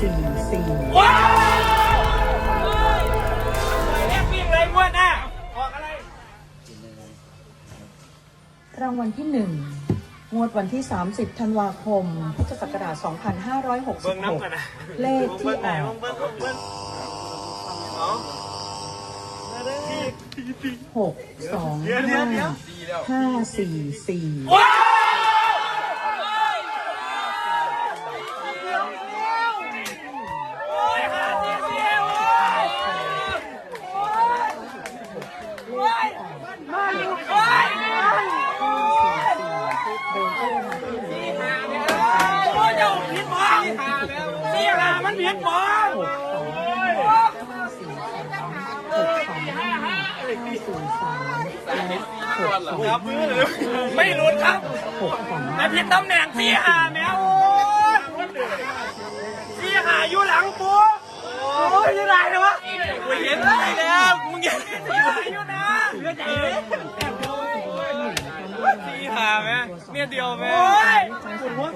4 ว้าวแลกวิ่งเลยงวดหน้าออกอะไรรางวัลที่1งวดวันที่30ธันวาคมพุทธศักราช2566เลขที่ออก625 544 มันเพี้ยนบอลไม่หลุดครับแต่ผิดตำแหน่งสี่หาแมวสี่หาอยู่หลังปูโอ้ยยังไงนะวะกูเห็นอะไรแล้วมึงเห็นสี่หาอยู่นะเลือดใจเลยสี่หาแม่เนี่ยเดียวแม่ขุดหัว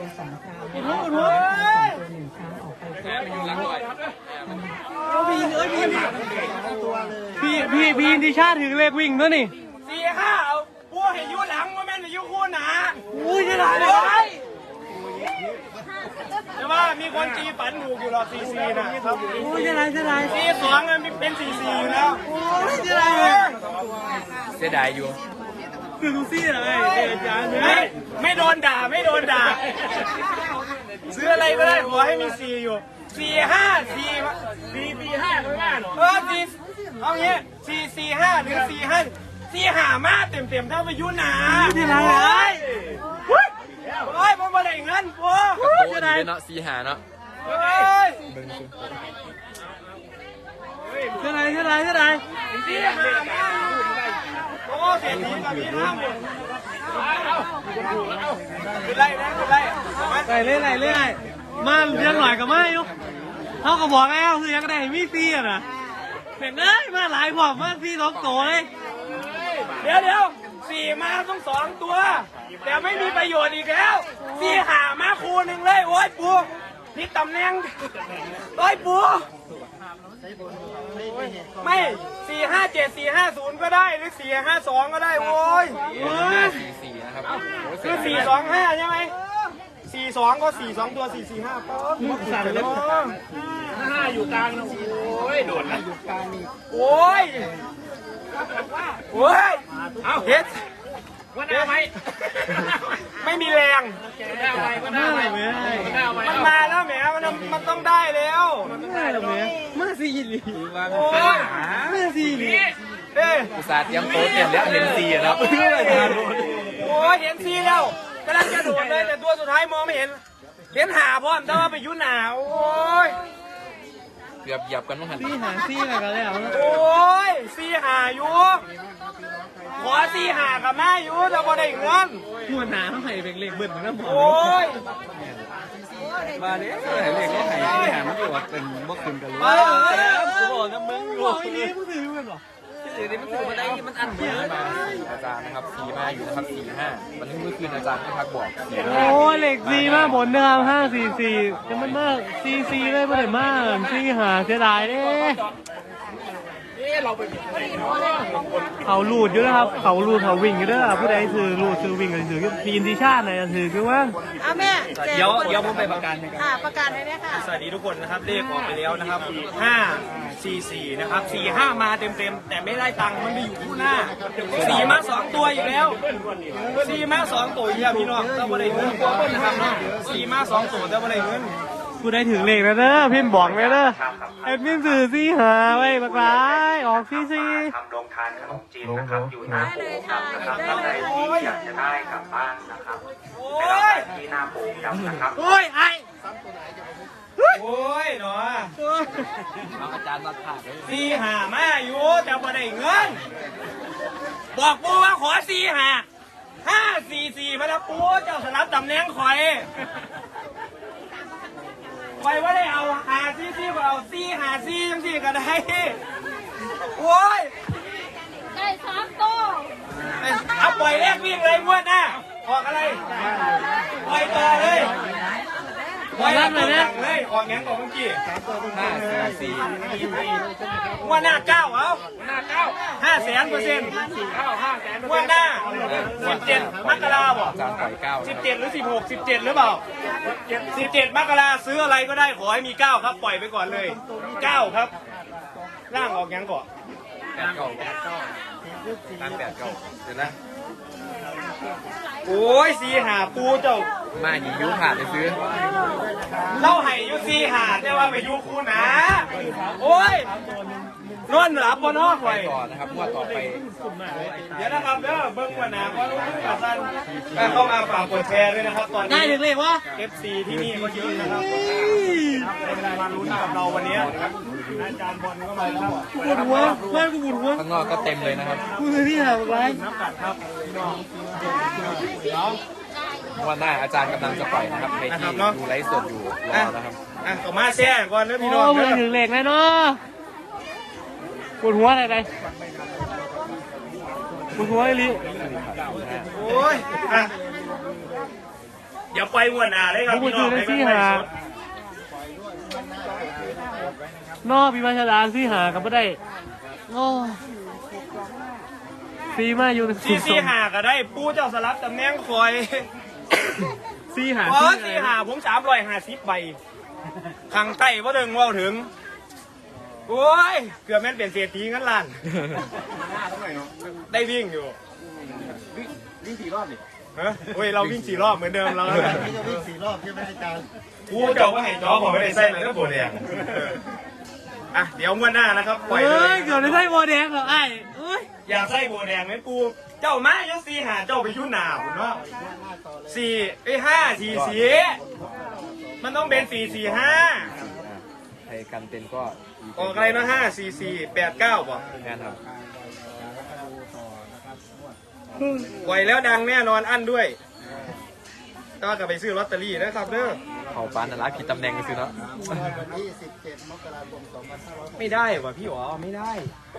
พี่ที่ชาติถึงเลขวิ่งด้วยนี่สี่ห้าเอาปูเห็นอยู่หลังว่าแม่นอยู่คู่หนาอุ้ยจะได้เลยแต่ว่ามีคนจีฝันถูกอยู่หรอซีซีนะครับอุ้ยจะได้ซีสองมันเป็นซีซีอยู่แล้วอุ้ยจะได้เสียดายอยู่คือลูซี่อะไรอาจารย์ไม่โดนด่าซื้ออะไรก็ได้ขอให้มีซีอยู่4 5 4 5ข้างหน้าหรอ4เอาเงี้ย4 4 5หรือ4 5 4 5มาเต็มเท่าไปยุ่นหนาที่ไรเลยโอ้ยมันมาได้เงินปูจะได้เนาะ4 5เนาะจะได้ 4 5มาโอ้เศรษฐีกับพี่น้ำคือไล่มาเลี้ยงหน่อยกับมาอยู่เขาก็บอกแล้วคือยังได้มีซีอ่ะนะเห็นเลยมาหลายกว่ามาซี2 ตัวเลยเดี๋ยว4มาต้อง2 ตัวแต่ไม่มีประโยชน์อีกแล้ว4หามาคูนึงเลยโอ้ยปูนี่ตำแหน่งโอ้ยปูไม่4 5 7 4 5 0ก็ได้หรือ4 5 2ก็ได้โว้ย 4นะครับคือ4 2 5ใช่ไหม4 2ก็4 2ตัว4 4 5ปั๊บสั่นเลย5อยู่กลางนะโอ้ยโดดนะอยู่กลางนี่โอ้ยเอาเฮ็ดวันหน้าไหมไม่มีแรงมันมาแล้วแหมมันต้องได้แล้วได้แล้วแหมมาซีหลีมาซีหลีอุตส่าห์เตรียมโต๊ะเตรียมแล้วเห็นซีแล้วโอ้ยเห็นซีแล้วกำลังจะโดดเลยแต่ตัวสุดท้ายมองไม่เห็นหาพร้อมแต่ว่าไปยุ่นหนาวโอ้ยเกือบเหยียบกันมั้งหันซีอะไรกันแล้วโอ้ยซีหาอยู่ขอซีหากับแม่อยู่แต่พอได้เงินหัวหนาเขาให้เป็นเลขเบิ้ลนะหมอโอ้ยมาเนี่ยเลขเขาให้ที่หามันอยู่เป็นบ่ขึ้นกันเลยกูบอกนะมึงบอกไอ้นี่มึงถือกันหรอมันถือมาได้มันอันเยอะอาจารย์นะครับ4มาอยู่นะครับ4 5วันนี้เมื่อคืนอาจารย์ที่พักบอกโอ้เลข4มาบนนะครับ5 4 4จะมันมาก4เลยไม่ได้มาก4 5เสียดายเด้เขาลูดอยู่นะครับเขาลูดเขาวิ่งอยู่ด้วยผู้ใดซื้อลูดซื้อวิ่งกันซื้อทีมทีชาติไหนซื้อคือว่าแม่เดี๋ยวผมไปประกันประกันเลยค่ะสวัสดีทุกคนนะครับเลขออกไปแล้วนะครับ544นะครับ45มาเต็มแต่ไม่ได้ตังค์มันไปอยู่คู่หน้า4มา2ตัวอีกแล้ว4มา2ตัวอีกแล้วพี่น้องต้องมาได้เงินนะครับเนาะ4มา2ตัวต้องมาได้เงินกูได้ถึงเลขแล้วเด้อพิมพ์บอกเลยเด้อไอ้พิมพ์สื่อ4 5ไว้บักหลายออก4 4 ทำโรงทานขนมจีนนะครับอยู่หน้าปูครับนะครับท่านใดที่อยากจะได้กลับบ้านนะครับไปรับที่หน้าปูครับนะครับโอ้ยไอ้โอ้ยเนาะอาจารย์มาขาดเลย4 5มาอยู่แต่พอได้เงินบอกปูว่าขอ4 5 5 4 4มาแล้วปูเจ้าสลับตำแหน่งคอยว่าได้เอาซีเอาซีจังก็ได้โอ้ยได้3 ตัวเอาปล่อยแรกวิ่งเลยงวดหน้าออกอะไรปล่อยต่อเลยไว้รับเลยออกงั้นก่อนเมื่อกี้ 544 ว่าหน้า9เอาหน้า9 500,000%ว่าหน้า17 มกราบ่อาจารย์ปล่อย9 17 หรือ 16 17 หรือเปล่า 17 มกราซื้ออะไรก็ได้ขอให้มี 9 ครับ ปล่อยไปก่อนเลย 9 ครับ ร่างออกงั้นก่อน 89 ตั้ง89เดี๋ยวนะโอ้ยสีหาปูเจ้ามาหนียุผ่านไปซื้อเล่าให้ยุซีหาแต่ว่าไปยุคูนะ โอ้ยนอนหลับบนนอกไปไว้ต่อนะครับงวดต่อไปเดี๋ยวนะครับเด้อเบิ้งวันหนาเพราะรู้สึกกับท่านเข้ามาฝากกดแชร์ด้วยนะครับตอนได้นี้ถึงเลยวะ FC ที่นี่ก็เยอะนะครับเป็นมาลุ้นกับเราวันนี้อาจารย์บอลก็มาแล้วปวดหัวเพื่อนกูปวดหัวข้างนอกก็เต็มเลยนะครับกูเลยที่หาอะไรน้ำกัดครับพี่น้องวันหน้าอาจารย์กำลังจะปล่อยนะครับในที่ดูไลฟ์สดอยู่รอนะครับอ่ะก็มาแชร์ก่อนเด้อพี่น้องโอ้มืเด้ออถึงเลขแน่เนาะปวดหัวอะไรปวดหัวไอ้ลิโอ้ยอ่ะอย่าไปวันหนาเลยครับพี่น้องให้มันไปสดนอพี่มาชาดานซี่หากับไม่ได้โอ้ซีมาอยู่ในซีหาก็ได้ปูเจ้าสลับตำแหน่งคอยซีหาอ๋อซีหาผม350ใบข้างใต้ว่าถึงว่าถึงโอ้ยเกือบแม่นเปลี่ยนเศรษฐีงั้นล้านได้วิ่งอยู่วิ่ง4 รอบดิฮะโอ้ยเราวิ่ง4 รอบเหมือนเดิมเราจะวิ่ง4 รอบใช่ไหมอาจารย์กูเจ้าก็ให้จอผมไม่ได้ใส่เลยนะโบแดงอ่ะเดี๋ยวงวดหน้านะครับปล่อยเลเฮ้ยยเกือบได้ไส้โบแดงเหรอไอ้เอ้ยอยากใส่โบแดงไหมปูเจ้ามาเจ้าซีหาเจ้าไปยุ่นหนาผมเนาะ5 4 มันต้องเป็น4 ใครกันเป็นก็ 4 5ออกอะไรเนาะ5 4 4 8 9ป่ะงานครับปล่อยแล้วดังแน่นอนอั้นด้วยก็กลับไปซื้อลอตเตอรี่นะครับเด้อเขาปานนรักผิดตำแหน่งกันซื้อเนาะไม่ได้ว่ะพี่อ๋อไม่ได้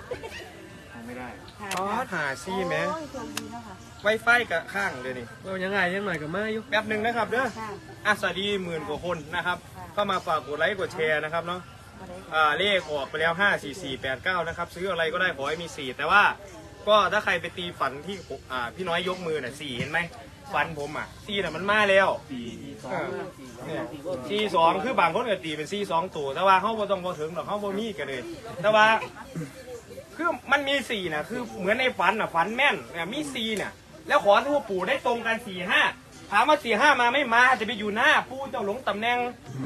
อ๋อหาซีแม้ไวไฟกับข้างเดี๋ยวนี้เรายังไงยังหน่อยกับมาอยู่แป๊บหนึ่งนะครับเด้ออ่ะสวัสดี10,000 กว่าคนนะครับเข้ามาฝากกดไลค์กดแชร์นะครับเนาะเลขออกไปแล้ว5 4 4 8 9นะครับซื้ออะไรก็ได้ขอให้มี4แต่ว่าก็ถ้าใครไปตีฝันที่พี่น้อยยกมือน่ะ4เห็นไหมฝันผมอ่ะ4น่ะมันมาแล้ว4 2คือบางคนก็ตีเป็น4 2ตัวแต่ว่าเขาบ่ต้องบ่ถึงหรอกเขาบ่มีกันเลยแต่ว่าคือมันมี4นะคือเหมือนในฝันน่ะฝันแม่นเนี่ยมี4เนี่ยแล้วขอทั่วปู่ได้ตรงกัน4 5ถามว่า4 5มาไม่มาจะไปอยู่หน้าปู่เจ้าหลงตำแหน่ง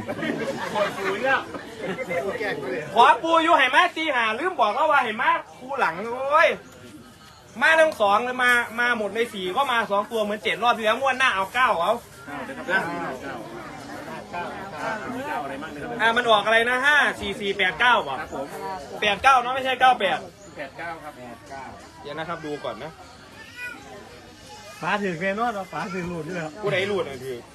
ขอปู่อยู่ให้มา4 5ลืมบอกแล้วว่าให้มาคู่หลังโอ้ยมาทั้ง2เลยมาหมดใน4ก็มา2ตัวเหมือน7 รอบที่แล้วงวดหน้าเอา9เอามันออกอะไรนะ5 4 4 8 9ป่ะ89เนาะไม่ใช่98 89ครับเดี๋ยวนะครับดูก่อนนะฟ้าถือแน่นอนเราฟ้าถือหลุดด้วยผู้ใดรูดนะพี่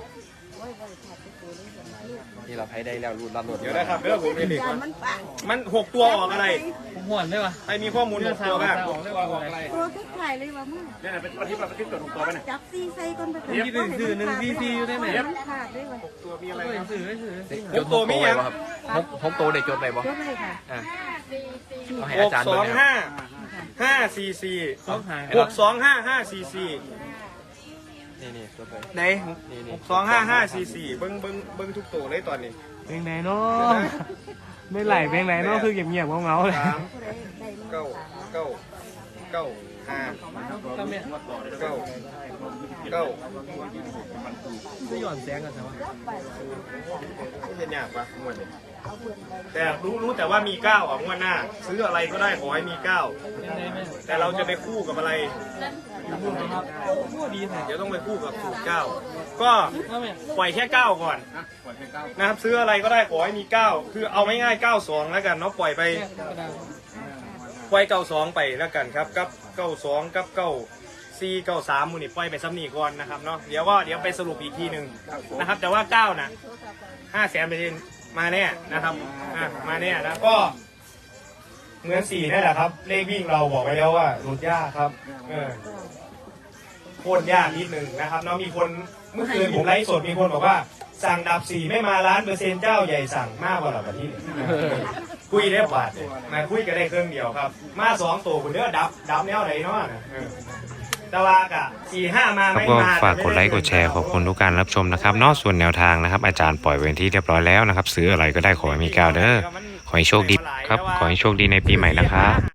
นี่เราให้ได้แล้วรูดรับรถเดี๋ยวนะครับเรื่องผมเด็กมัน6 ตัวออกอะไรผมห่วนได้ปะใครมีข้อมูล6 ตัวบ้างโปรทุกถ่ายเลยว่ามึงเนี่ยเป็นวันที่เราคิดตัวถูกตัวไปเนี่ยจับซีใส่ก้นไปที่สื่อหนึ่งซีอยู่ได้ไหมมันขาดด้วยวะตัวมีอะไรสื่อไม่สื่อจด6 ตัวครับ6 ตัวเด็กจดไปบ่ยกเลยค่ะเอาให้อาจารย์ 6 เบิ่ง 2 นะครับ 5 5 4 4 ต้องหาย 6 2 5 5 4 4 นี่จดไปไหน6 2 5 5 4 4เบิ้งทุกตัวเลยตอนนี้เพลงไหนเนาะไม่ไหลเพลงไหนเนาะคือเงียบๆเงาๆเลย 3 9 9 9 5 ทำเนี่ย 9 9 ไม่หย่อนแสงกันใช่ไหมไม่เป็นยากปะงวดนี้แต่รู้แต่ว่ามี9อ่ะงวดหน้าซื้ออะไรก็ได้ขอให้มี9แต่เราจะไปคู่กับอะไรดีแท้เดี๋ยวต้องไปคู่กับสูตร9ก็ปล่อยแค่9ก่อนนะครับซื้ออะไรก็ได้ขอให้มี9คือเอาไม่ง่าย92แล้วกันเนาะปล่อยไปปล่อย92ไปแล้วกันครับกับ92กับ94 93มูนี่ปล่อยไปซ้ำนี่ก่อนนะครับเนาะเดี๋ยวไปสรุปอีกทีหนึ่งนะครับแต่ว่า9นะ500,000%มาแน่นะครับมาแน่นะก็เหมือน4นั่นแหละครับเลขวิ่งเราบอกไว้แล้วว่าหลุดยากครับโคตรยากนิดหนึ่งนะครับเนาะมีคนเมื่อคืนผมไลฟ์สดมีคนบอกว่าสั่งดับ4ไม่มา1,000,000%เจ้าใหญ่สั่งมากกว่าหลับประเทศคุยได้บาทมาคุยกันได้เครื่องเดียวครับมา2ตัวคุณเด้อดับแนวไหนเนาะแต่ว่ากะ4-5มาไม่ก็มาฝากกดไลค์กดแชร์ขอบคุณทุกการรับชมนะครับนอกส่วนแนวทางนะครับอาจารย์ปล่อยไว้ที่เรียบร้อยแล้วนะครับซื้ออะไรก็ได้ขอให้มีก้าวเด้อขอให้โชคดีครับขอให้โชคดีในปีใหม่นะครับ